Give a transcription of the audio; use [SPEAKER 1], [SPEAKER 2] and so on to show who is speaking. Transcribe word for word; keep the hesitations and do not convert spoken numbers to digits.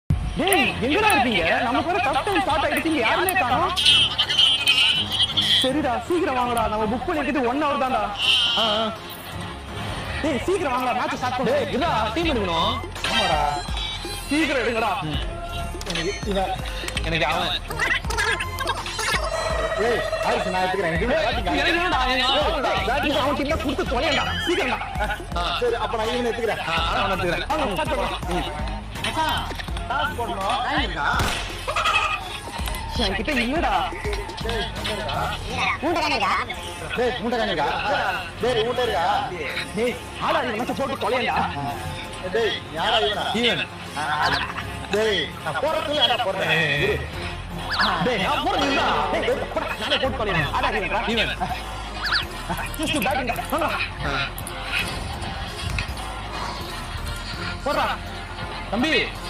[SPEAKER 1] டேய் எங்கடா இருக்கீங்க? நமக்கு வர ஃபர்ஸ்ட் டைம் ஸ்டார்ட் ஆயிடுச்சு, யாருமே காணோம். சரிடா சீக்கிரம் வாங்கடா, நம்ம புக் பண்ணிக்கிட்டு ஒன் ஹவர் தான்டா. டேய் சீக்கிரம் வாங்கடா, மேட்ச் ஸ்டார்ட் பண்ணு.
[SPEAKER 2] டேய் இதா டீம் எடுக்கணும்.
[SPEAKER 1] ஆமாடா சீக்கிரம் எடுங்கடா.
[SPEAKER 2] எனக்கு இவன் எனக்கு அவன்
[SPEAKER 1] ஏய் ஆயிடுச்சு, நான் எடுத்துக்கிறேன்.
[SPEAKER 2] எனக்கு என்னடா
[SPEAKER 1] பேட்டிங் அவன் கிட்ட கொடுத்து தொலையடா சீக்கிரம்டா.
[SPEAKER 2] சரி அப்ப நான் இவனை எடுத்துக்கிறேன். நான் எடுத்துக்கிறேன்.
[SPEAKER 1] வாங்க ஸ்டார்ட் பண்ணலாம்.
[SPEAKER 2] மச்சான் டாஸ் போடணும். டைம் இருக்கா?
[SPEAKER 1] என்கிட்ட இல்லடா.
[SPEAKER 3] மூணு தானே இருக்கா?
[SPEAKER 2] டேய் மூட்டை காணிக்கா? டேய் மூட்டை இருக்கா?
[SPEAKER 1] டேய் ஆடா இந்த மேட்ச் போட்டு தொலையடா.
[SPEAKER 2] டேய் யாரா இவனா? இவன். டேய் நான் போறதுல அட போறேன்.
[SPEAKER 1] டேய் நான் போறேன்டா. டேய் போடா, நானே போட்டு தொலைறேன். ஆடா இவன்டா.
[SPEAKER 2] இவன்.
[SPEAKER 1] ஜஸ்ட் பேட்டிங் வாங்க.
[SPEAKER 2] தம்பி